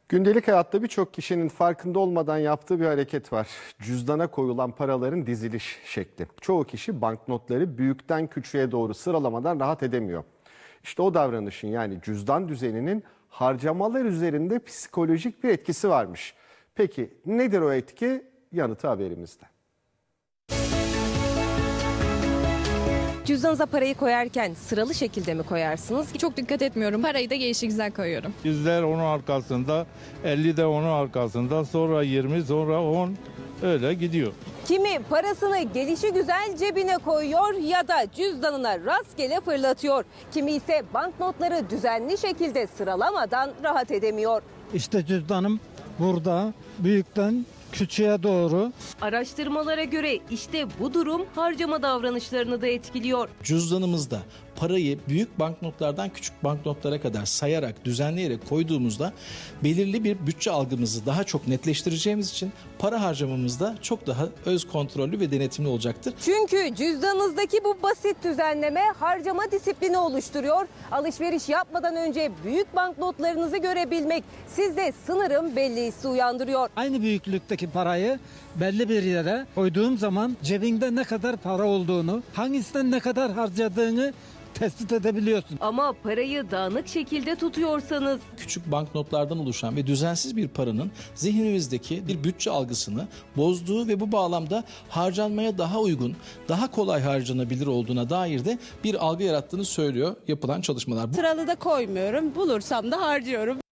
Gündelik hayatta birçok kişinin farkında olmadan yaptığı bir hareket var. Cüzdana koyulan paraların diziliş şekli. Çoğu kişi banknotları büyükten küçüğe doğru sıralamadan rahat edemiyor. İşte o davranışın, yani cüzdan düzeninin harcamalar üzerinde psikolojik bir etkisi varmış. Peki nedir o etki? Yanıtı haberimizde. Cüzdanınıza parayı koyarken sıralı şekilde mi koyarsınız? Çok dikkat etmiyorum. Parayı da gelişigüzel koyuyorum. Yüzler onun arkasında, 50 de onun arkasında, sonra 20, sonra 10 öyle gidiyor. Kimi parasını gelişigüzel cebine koyuyor ya da cüzdanına rastgele fırlatıyor. Kimi ise banknotları düzenli şekilde sıralamadan rahat edemiyor. İşte cüzdanım burada, büyükten küçüğe doğru. Araştırmalara göre işte bu durum harcama davranışlarını da etkiliyor. Cüzdanımızda parayı büyük banknotlardan küçük banknotlara kadar sayarak, düzenleyerek koyduğumuzda belirli bir bütçe algımızı daha çok netleştireceğimiz için para harcamamızda çok daha öz kontrollü ve denetimli olacaktır. Çünkü cüzdanınızdaki bu basit düzenleme harcama disiplini oluşturuyor. Alışveriş yapmadan önce büyük banknotlarınızı görebilmek sizde sınırım belli hissi uyandırıyor. Aynı büyüklükteki parayı belli bir yere koyduğum zaman cebinde ne kadar para olduğunu, hangisinden ne kadar harcadığını tespit edebiliyorsun. Ama parayı dağınık şekilde tutuyorsanız, Küçük banknotlardan oluşan ve düzensiz bir paranın zihnimizdeki bir bütçe algısını bozduğu ve bu bağlamda harcanmaya daha uygun, daha kolay harcanabilir olduğuna dair de bir algı yarattığını söylüyor yapılan çalışmalar. Sıralı da koymuyorum. Bulursam da harcıyorum.